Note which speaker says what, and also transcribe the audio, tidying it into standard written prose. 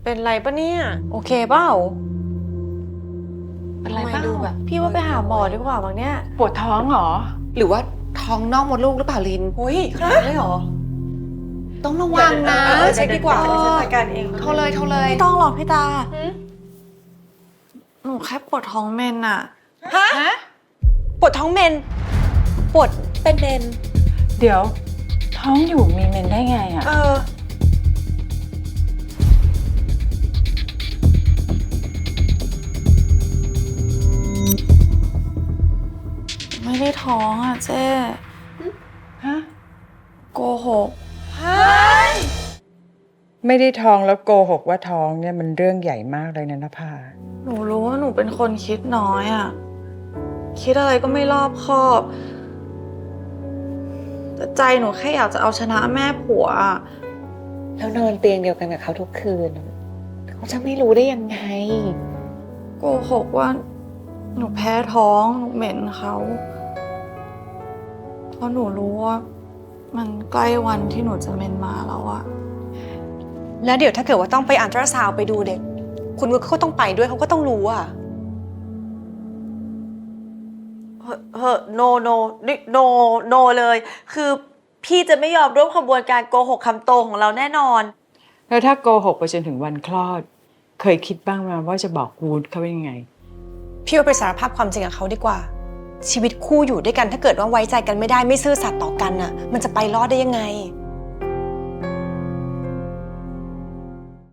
Speaker 1: เป็นไรปะเนี่ยโอเคเปล่าเป็นไรบ้างแบบพี่ว่าไปหาหมอดีกว่าบางเนี่ย
Speaker 2: ปวดท้องเหรอ
Speaker 3: หรือว่าท้องนอกมดลูกหรือเปล่าลิน
Speaker 1: อุ้ยขนาดเลยเหรอ
Speaker 3: ต้องระวังนะ
Speaker 1: เช็คดีกว่าฉันจัดการเอง
Speaker 3: โทรเลย
Speaker 4: ไม่ต้องหรอกพี่ตาหนูแค่ปวดท้องเมนอะ
Speaker 1: ฮะปวดท้องเมนปวดเป็นเมน
Speaker 2: เดี๋ยวท้องอยู่มีเมนได้ไงอะ
Speaker 4: ไม่ได้ท้องอะเจ๊
Speaker 2: ฮะ
Speaker 4: โกหก
Speaker 2: ไม่ได้ท้องแล้วโกหกว่าท้องเนี่ยมันเรื่องใหญ่มากเลยนะนภา
Speaker 4: หนูรู้ว่าหนูเป็นคนคิดน้อยอะคิดอะไรก็ไม่รอบคอบ แต่ใจหนูแค่อยากจะเอาชนะแม่ผัวอะ
Speaker 3: แล้วนอนเตียงเดียวกันกับเขาทุกคืนเขาจะไม่รู้ได้ยังไง
Speaker 4: โกหกว่าหนูแพ้ท้องหนูเหม็นเขาเพราะหนูรู้ว่ามันใกล้วันที่หนูจะเมนมาแล้วอะ
Speaker 1: แล้วเดี๋ยวถ้าเกิดว่าต้องไปอัลตราซาวด์ไปดูเด็กคุณวุฒิเขาต้องไปด้วยเขาก็ต้องรู้อะ
Speaker 5: โนเลย คือพี่จะไม่ยอมร่วมขบวนการโกหกคำโตของเราแน่นอน
Speaker 2: แล้วถ้าโกหกไปจนถึงวันคลอด เคยคิดบ้างไหมว่าจะบอกวูดเขาว่ายังไง
Speaker 1: พี่ว่าไปสารภาพความจริงกับเขาดีกว่า ชีวิตคู่อยู่ด้วยกันถ้าเกิดว่าไว้ใจกันไม่ได้ไม่ซื่อสัตย์ต่อกันน่ะมันจะไปรอดได้ยังไง